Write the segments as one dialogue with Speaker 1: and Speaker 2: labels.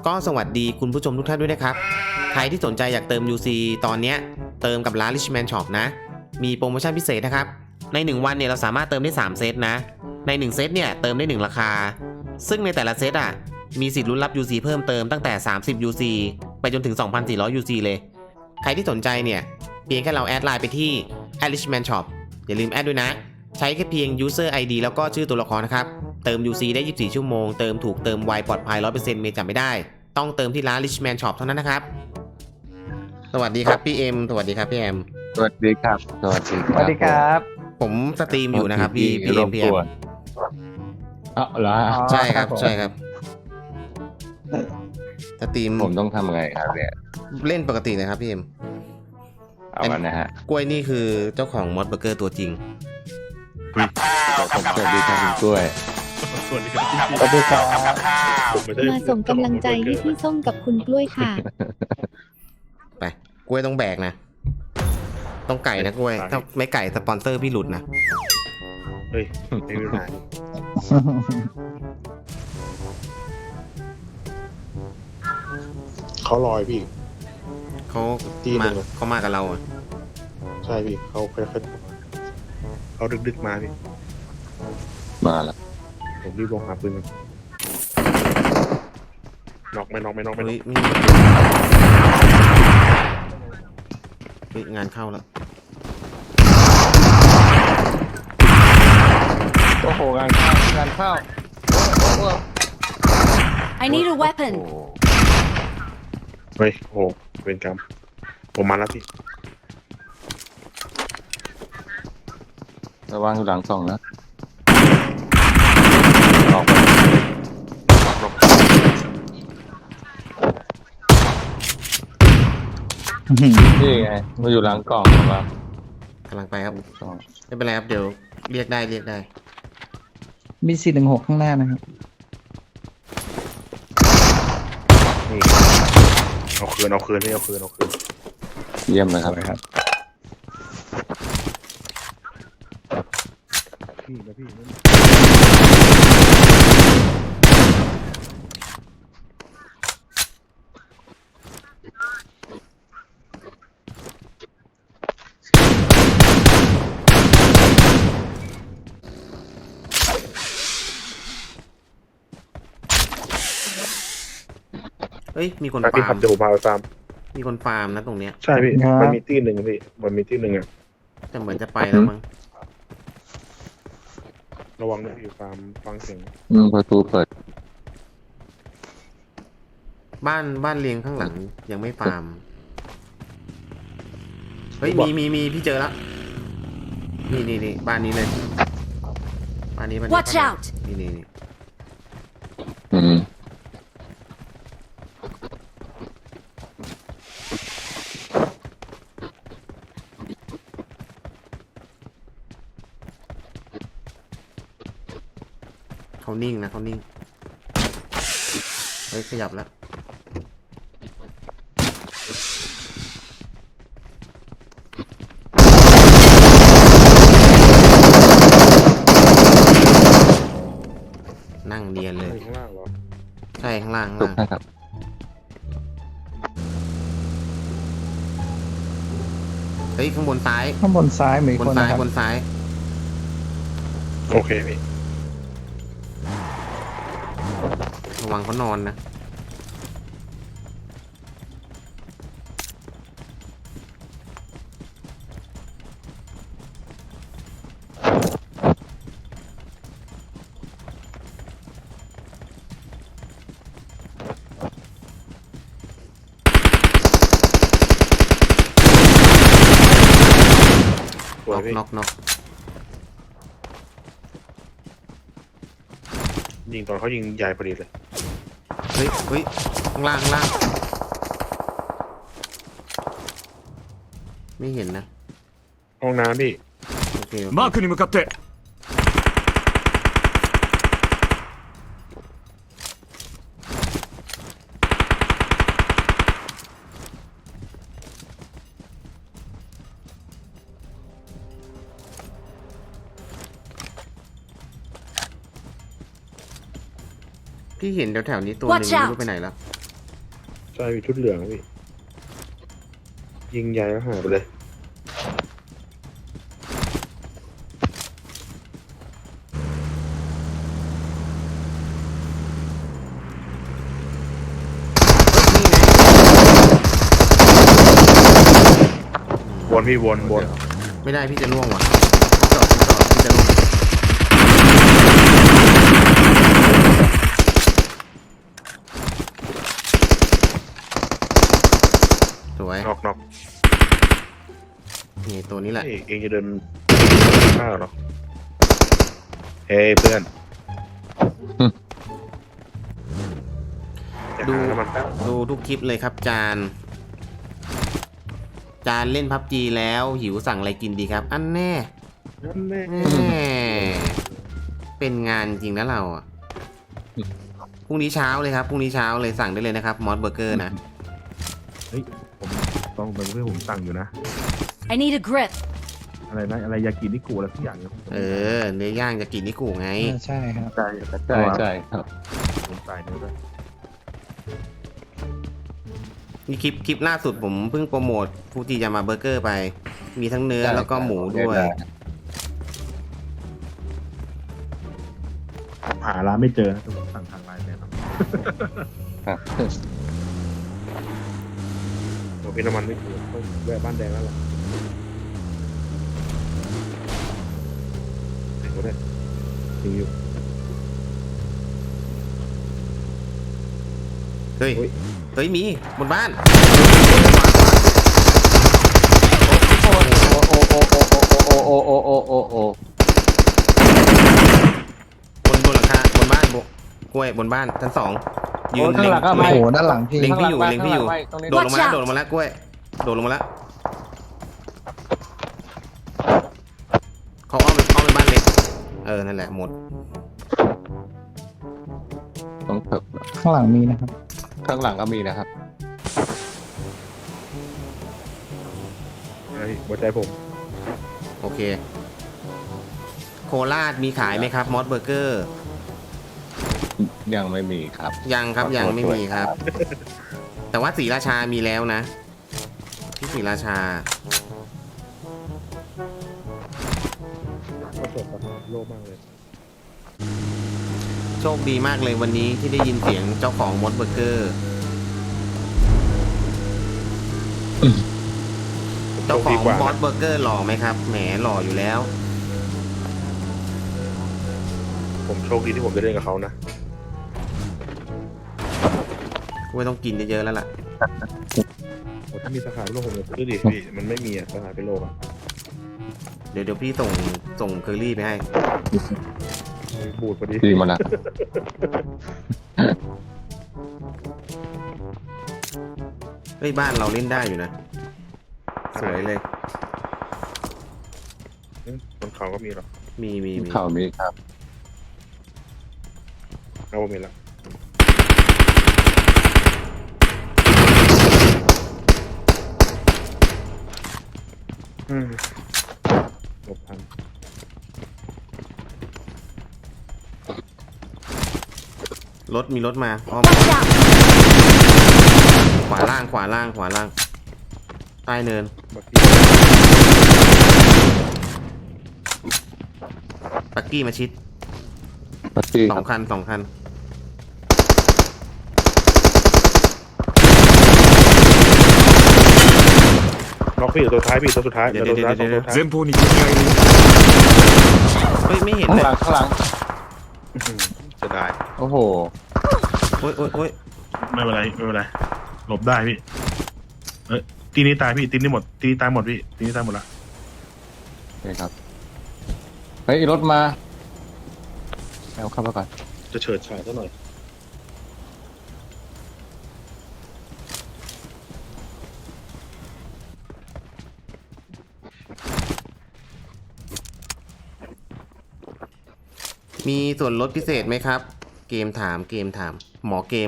Speaker 1: ก็สวัสดีคุณผู้ชมทุกท่านด้วยนะครับใครที่สนใจอยากเติม UC ตอนนี้เติมกับร้าน Richman Shop นะมีโปรโมชั่นพิเศษนะครับใน1วันเนี่ยเราสามารถเติมได้3เซตนะใน1เซตเนี่ยเติมได้1ราคาซึ่งในแต่ละเซตมีสิทธิ์ลุ้นรับ UC เพิ่มเติมตั้งแต่30 UC ไปจนถึง 2,400 UC เลยใครที่สนใจเนี่ยเพียงแค่เราแอดไลน์ไปที่ @Richman Shop อย่าลืมแอดด้วยนะใช้แค่เพียง user ID แล้วก็ชื่อตัวละครนะครับเติม UC ได้24ชั่วโมงเติมถูกเติมไวปลอดภัย 100% เมย์จำไม่ได้ต้องเติมที่ร้าน Richman Shop เท่านั้นนะครับสวัสดีครับพี่เอ็มสวัสดีครับพี่แอม
Speaker 2: สวัสดีครับสวัสดีครับ
Speaker 3: สวัสดีครับ
Speaker 1: ผมสตรีมอยู่นะครับพี่เอ็มพี่แอม
Speaker 2: อ๋อเหรอ
Speaker 1: ใช่ครับใช่ครับสตรีม
Speaker 2: ผมต้องทำไงครับเนี่ย
Speaker 1: เล่นปกตินะครับพี่เอ็ม
Speaker 2: เอากันนะฮะ
Speaker 1: กล้วยนี่คือเจ้าของมอสเบอร์เกอร์ตัวจริง
Speaker 2: ผมสวัสดีครับคุณกล้วย
Speaker 4: สวัสดีครับ
Speaker 3: สวัสดีครับ
Speaker 5: มาส่งกำลังใจให้พี่ส้มกับคุณกล้วยค่ะ
Speaker 1: ไปกล้วยต้องแบกนะ ต้องไก่นะกล้วยถ้าไม่ไก่สปอนเซอร์พี่หลุดนะ
Speaker 4: เฮ้ยไม่มีปัญหาเขาลอยพี่
Speaker 1: เขา
Speaker 4: ที่หนึ่
Speaker 1: มาง เขามากับเราอะ
Speaker 4: ใช่พี่เขาค่อยๆเขาดึกๆมาพี่
Speaker 2: มาแล้ว
Speaker 4: ผมรีบลงหาปืนมันน็อกไม่น็อก
Speaker 1: เฮ้ยมีเฮ้ยงานเข้าแล้ว
Speaker 3: โอ้โหงานเข้า
Speaker 5: I need a weapon
Speaker 4: เฮ้ยโอ้โหเวรกรรมผมมาแล้วพี่
Speaker 2: ระวังอยู่หลังส่องนะออกไปนี่ไงมาอยู่หลังกล่องหรือเปล่าก
Speaker 1: ำลังไปครับ
Speaker 2: ส่อง
Speaker 1: ไม่เป็นไรครับเดี๋ยวเรียกได้
Speaker 3: มี416ข้างหน้านะครับ
Speaker 4: นี่เอาคืนพี่เอาคืน
Speaker 2: เยี่ยมเลยครับ
Speaker 4: พี่นะพี่นั่น
Speaker 1: เฮ้ยมีคน
Speaker 4: ไปพี่
Speaker 1: ฟา
Speaker 4: ขั
Speaker 1: ร์
Speaker 4: บ
Speaker 1: ม
Speaker 4: เดี๋ยวผมพาไปฟาร์ม
Speaker 1: มีคนฟาร์มนะตรงเนี้ย
Speaker 4: ใช่พี่
Speaker 3: ครับ
Speaker 4: มันมีที่หนึ่งพี่มันมีที่หนึ่งอะ
Speaker 1: แต่เหมือนจะไปแล้วมั้ง
Speaker 4: ระวังนะพี่ฟาร์มฟังเสียง
Speaker 2: ประตูเปิด
Speaker 1: บ้านเรียงข้างหลังยังไม่ฟาร์มเฮ้ยมีพี่เจอแล้วนี่บ้านนี้เลยบ้านนี้
Speaker 5: Watch out
Speaker 1: นี่
Speaker 2: อืม
Speaker 1: เขานิ่งนะเขานิ่งเฮ้ยขยับแล้วนั่งเนียนเลย
Speaker 4: ข้างล่างเหรอ
Speaker 1: ใช่ข้างล่าง
Speaker 2: ถูกนะครับ
Speaker 1: เฮ้ยข้างบนซ้าย
Speaker 3: ข้างบนซ้ายมี
Speaker 1: บ
Speaker 3: คน น
Speaker 1: ซ้าย
Speaker 3: นะครับ
Speaker 1: บนซ้าย
Speaker 4: โอเคพี่
Speaker 1: ระวังเขานอนนะ
Speaker 4: สวยพี่
Speaker 1: น็อก
Speaker 4: ยิงตอนเขายิงใหญ่พอดีเลย
Speaker 1: เฮ้ยข้างล่างไม่เห็นนะ
Speaker 4: ห้องน้ำพี่
Speaker 1: โอเค
Speaker 6: マークに向かって
Speaker 1: พี่เห็นแถวๆนี้ตัวหนึง
Speaker 5: Watch
Speaker 1: ไม่
Speaker 5: out
Speaker 1: รู้ไปไหนแล้ว
Speaker 4: ใช่พี่ชุดเหลืองพี่ยิงใหญ่แล้วหายไปเลย วนพี่วน
Speaker 1: ไม่ได้พี่จะล่วงว่ะจอดพี่จะล่วงสวย
Speaker 4: นอก
Speaker 1: นี่ตัวนี้แหละ
Speaker 4: เองจะเดินข้าวหรอเฮ้ยเพื่อนจะหาน้ำมันแป๊บ
Speaker 1: ดูทุกคลิปเลยครับจานเล่นพับจีแล้วหิวสั่งอะไรกินดีครับ อันแน่
Speaker 4: นั่นแน่
Speaker 1: แน่เป็นงานจริงนะเราอ่ะพรุ่งนี้เช้าเลยครับพรุ่งนี้เช้าเลยสั่งได้เลยนะครับมอสเบอร์เกอร์นะ
Speaker 6: เฮ้ยผมต้องไปเพื่อผมสั่งอยู่นะ
Speaker 7: I need a grip.
Speaker 6: อะไรนะอะไรยากินิกุอะไรทุกอย่างเนี่ย
Speaker 1: เนื้อย่างจะกินนิกูไง
Speaker 3: ใช่ครับ
Speaker 6: ใช่
Speaker 2: ใช่ครับ
Speaker 6: ผมใส่เนื้อด้วย
Speaker 1: นี่คลิปล่าสุดผมเพิ่งโปรโมทฟูจิยามาเบอร์เกอร์ไป มีทั้งเนื้อแล้วก็หมูด้วย
Speaker 6: ผมหาร้านไม่เจอนะแต่ผมสั่งทางไลน์แน่นอน
Speaker 2: ครับ
Speaker 4: โอ้พี่น้ำมันไม่ถูกต้องแวะบ้านแดงแล้วล่ะไหนก็ได้ยิงอยู่
Speaker 1: เฮ้ย เฮ้ยมีบนบ้าน
Speaker 2: โอ้โอ้โอ้โอ้โอ้โอ้โอ้โอ้โอ้โอ้
Speaker 1: บนหลังคาบนบ้านกล้วยบนบ้านชั้น2ยืน
Speaker 2: ข้างหลังก็
Speaker 3: โอ้
Speaker 2: ไม่
Speaker 3: โหด้านหลังพี่
Speaker 1: เล็งพี่อยู่เล็งพี่อยู่
Speaker 2: ตรงนี้
Speaker 1: โดดลงมาแล้วโดดลงมาแล้วกล้วยโดดลงมาแล้วเขาอ้อมไปบ้านเล็กนั่นแหละหมด
Speaker 2: ตรงตึก
Speaker 3: ข้างหลังมีนะครับ
Speaker 2: ข้างหลังก็มีนะครับ
Speaker 4: ไอ้หัวใจผม
Speaker 1: โอเค โคราชมีขายไหมครับมอสเบอร์เกอร์
Speaker 2: ยังไม่มีครับ
Speaker 1: ยังครับยังไม่มีครับ แต่ว่าศรีราชามีแล้วนะที่ศรีราชา
Speaker 4: ก็สดประมาณโลมากเลย
Speaker 1: โชคดีมากเลยวันนี้ที่ได้ยินเสียงเจ้าของมอสเบอร์เกอร์ เจ้าของมอสเบอร์เกอร์หล่อไหมครับแหมหล่ออยู่แล้ว
Speaker 4: ผมโชคดีที่ผมได้เล่นกับเขานะ
Speaker 1: ไม่ต้องกินเยอะๆแล้วล่ะ
Speaker 4: โอ้ถ้ามีสาขาโลกผมจะซื้อดิพี่มันไม่มีอ่ะสาขาเป็นโลกอ่ะ
Speaker 1: เดี๋ยวพี่ส่งเคอรี่ไปให้
Speaker 4: บูดพอดี
Speaker 2: ดีมาละ
Speaker 1: เฮ้ยบ้านเราเล่นได้อยู่นะ สวยเลย
Speaker 4: บนเขาก็มีหรอ
Speaker 1: มี
Speaker 2: ข่าวมีครับ
Speaker 4: เอาผมเห็นแล้วหลบทัน
Speaker 1: มีรถมาอ้อม
Speaker 7: Watch out!
Speaker 1: ขวาล่างใต้เนิน
Speaker 4: บักกี้
Speaker 1: ปักกี้มาชิด
Speaker 2: ปักกี้
Speaker 1: ส
Speaker 2: ค
Speaker 1: อ
Speaker 2: รั
Speaker 1: ง
Speaker 2: บ
Speaker 1: คัน
Speaker 4: น็อกพี่ตัวท้ายพี่ตัวสุดท้ายเดี๋ยวตัวสุดท้ายสองตัวท้าย
Speaker 1: เฮ้ยไม่เห็น
Speaker 2: ข้าง
Speaker 1: เล
Speaker 2: ห
Speaker 1: ย
Speaker 2: ลังข้างหลัง
Speaker 4: จะได้
Speaker 2: โอ้โห
Speaker 1: โอ้ย
Speaker 6: ไม่เป็นไรหลบได้พี่ตีนี้ตายพี่ตีนี้หมดตีนี้ตายหมดพี่ตีนี้ตายหมดละ
Speaker 2: นี่ครับเฮ้ยรถมาเอาเข้ามาก่อน
Speaker 4: จะเฉิดฉายซะหน่อย
Speaker 1: มีส่วนลดพิเศษไหมครับ เกมถามหมอเกม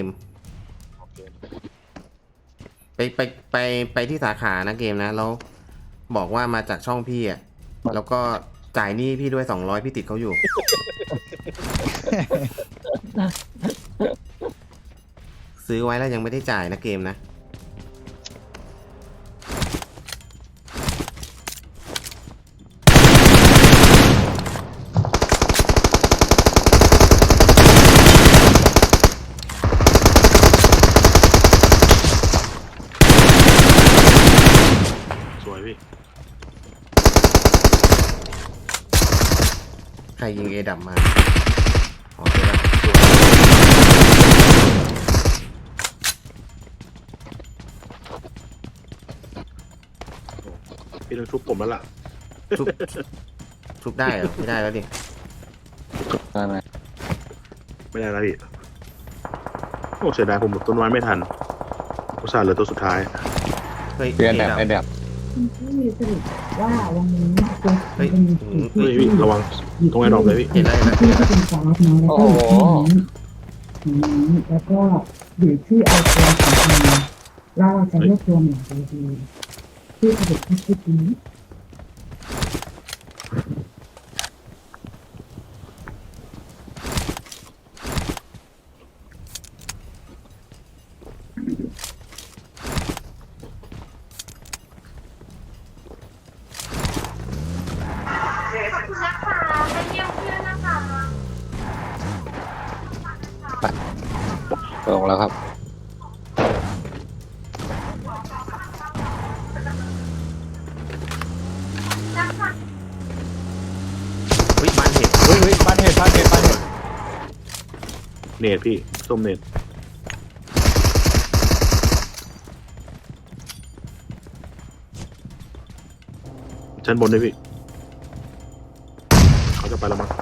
Speaker 1: ไปที่สาขานะเกมนะแล้วบอกว่ามาจากช่องพี่อ่ะแล้วก็จ่ายหนี้พี่ด้วย200พี่ติดเขาอยู่ซื้อไว้แล้วยังไม่ได้จ่ายนะเกมนะ
Speaker 6: สวยพี่
Speaker 1: ใครยิงเอดับมาอ๋อเจอแล้ว
Speaker 6: พี่ต้องชุบผมแล้วล่ะ
Speaker 1: ชุบชุบได้เหรอ ไม่ได้แล้วดิ
Speaker 2: ได้ไหม
Speaker 6: ไม่ได้แล้วพี่โอ้เสียดายผมหมดต้นไม้ไม่ทันอุตส่าห์เหลือตัวสุดท้าย
Speaker 1: เฮ้ย
Speaker 2: เปลี่ยน
Speaker 1: เอ
Speaker 2: แบบ
Speaker 1: ดับ
Speaker 2: ไอแบบ
Speaker 7: คุณพี่สรุปว่าวันนี้จะ
Speaker 1: เฮ้ย
Speaker 7: เป็น
Speaker 6: เฮ้ยพี่ระวังตรงไอ้ดอกเลยพี่
Speaker 1: เห็นแล้วเห็นแล้ว
Speaker 7: ที่เป็นสาระน้อยแล้วก็นี้แล้วก็อยู่ที่เอาตัวของมันเราจะเลือกตัวหนึ่งดีๆที่สรุปที่คิดนี้
Speaker 2: ลงแล้วครับ
Speaker 1: เฮ้ยบ้านเห็น
Speaker 2: เฮ้ยบ้านเห็ดบ้านเห็ดบ้านเห็ด
Speaker 6: เนตพี่ส้มเนตชั้นบนด้วยพี่เขาจะไปแล้วมั้ง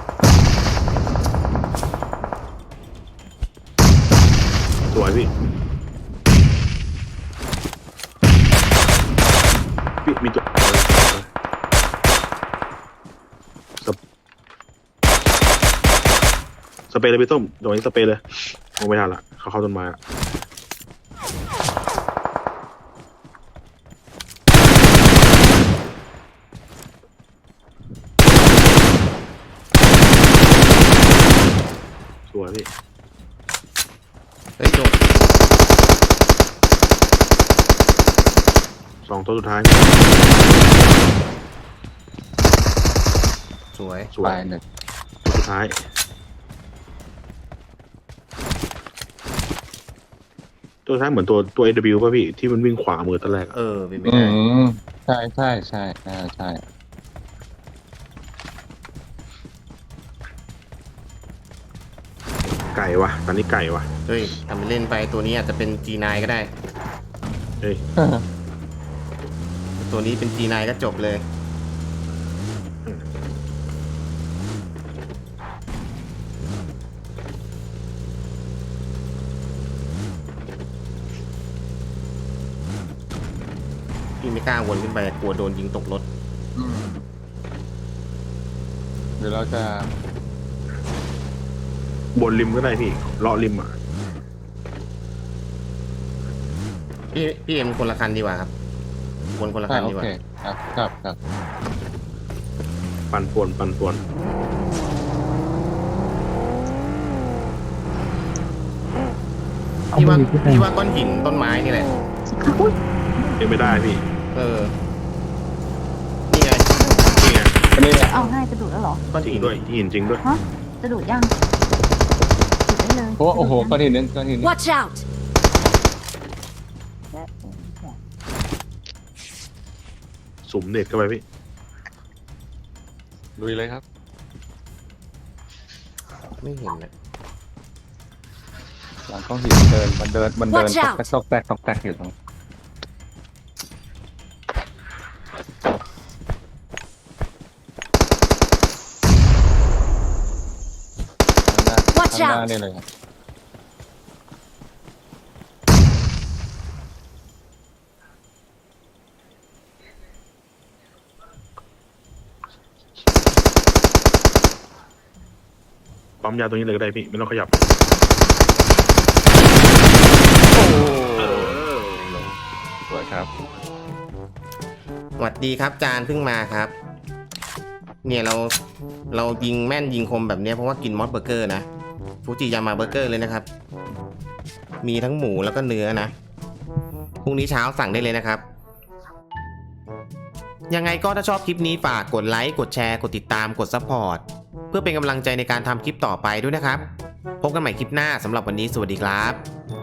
Speaker 6: สวยพี่พี่มีตัวสเปรย์เลยพี่ต้มโดนนี้สเปรย์เลยมองไม่ทันละเขาเข้าต้นไม้ละสวยพี่
Speaker 1: เฮ้ยโจบ
Speaker 6: สองตัวสุดท้าย
Speaker 1: สวย
Speaker 6: สว
Speaker 2: ไป
Speaker 6: ย
Speaker 2: หนึ่ง
Speaker 6: ตัวสุดท้าย ตัวสุดท้ายเหมือนตัว AW ป่ะพี่ที่มันวิ่งขวามือตอนแรกอะ
Speaker 1: เออเป็นไม่
Speaker 2: อื
Speaker 1: ได้
Speaker 2: มใช่ใช่ใช่ใช่ใช่
Speaker 6: ไก่วะตอนนี้ไก่วะ
Speaker 1: เฮ้ยทำไปเล่นไปตัวนี้อาจจะเป็น G9 ก็ได้
Speaker 6: เฮ้ย
Speaker 1: ตัวนี้เป็น G9 ก็จบเลย พี่ไม่กล้าวนขึ้นไปกลัวโดนยิงตกรถ
Speaker 2: อืมเดี๋ยวเราจะ
Speaker 6: บนริมก็ได้พี่เลาะริมอ่ะ
Speaker 1: พี่เอ็มคนละคันดีกว่าครับวนคนละคัน
Speaker 2: โอ
Speaker 1: ดีกว่า
Speaker 2: เคครับครับครับ
Speaker 6: ปั่นป่วนปั่นป่วน
Speaker 1: พี่ว่าก้อนหินต้นไม้นี่แหละ
Speaker 6: ยังไม่ได้พี่
Speaker 1: เออ นี่ไง
Speaker 6: นี่ไง
Speaker 2: อันนี้เนี่ย
Speaker 5: เอาให้จะดูดแล้วเหรอ
Speaker 1: ก้อน
Speaker 6: จริง
Speaker 1: หิน
Speaker 6: ด้วยหินจริงด้วย
Speaker 5: จะดูดยังดูดได้เลย
Speaker 2: เพราะว่าโอ้โหก้อนหินนึงก้อนหินนึง
Speaker 5: Watch out
Speaker 6: สุ่มเน็ตเข้าไปพี่
Speaker 2: ลุยเลยครับ
Speaker 1: ไม่เห็นเลย
Speaker 2: หลังก้อนหินมันเดิน
Speaker 5: Watch
Speaker 2: ต
Speaker 5: out
Speaker 2: อกแตกอยู่ตรง
Speaker 5: Watch
Speaker 2: ข้างหน้า
Speaker 5: out
Speaker 2: นี่เลยครับ
Speaker 6: ปั๊มยาตรงนี้เลยก็ได้พี่ไม่ต้องขยับ
Speaker 2: สวยครับ
Speaker 1: สวัสดีครับจานเพิ่งมาครับ เนี่ยเรายิงแม่นยิงคมแบบเนี้ยเพราะว่ากินมอสเบอร์เกอร์นะฟูจิยามาเบอร์เกอร์เลยนะครับมีทั้งหมูแล้วก็เนื้อนะพรุ่งนี้เช้าสั่งได้เลยนะครับ ยังไงก็ถ้าชอบคลิปนี้ฝากกดไลค์กดแชร์กดติดตามกดซัพพอร์ตเพื่อเป็นกำลังใจในการทำคลิปต่อไปด้วยนะครับพบกันใหม่คลิปหน้าสำหรับวันนี้สวัสดีครับ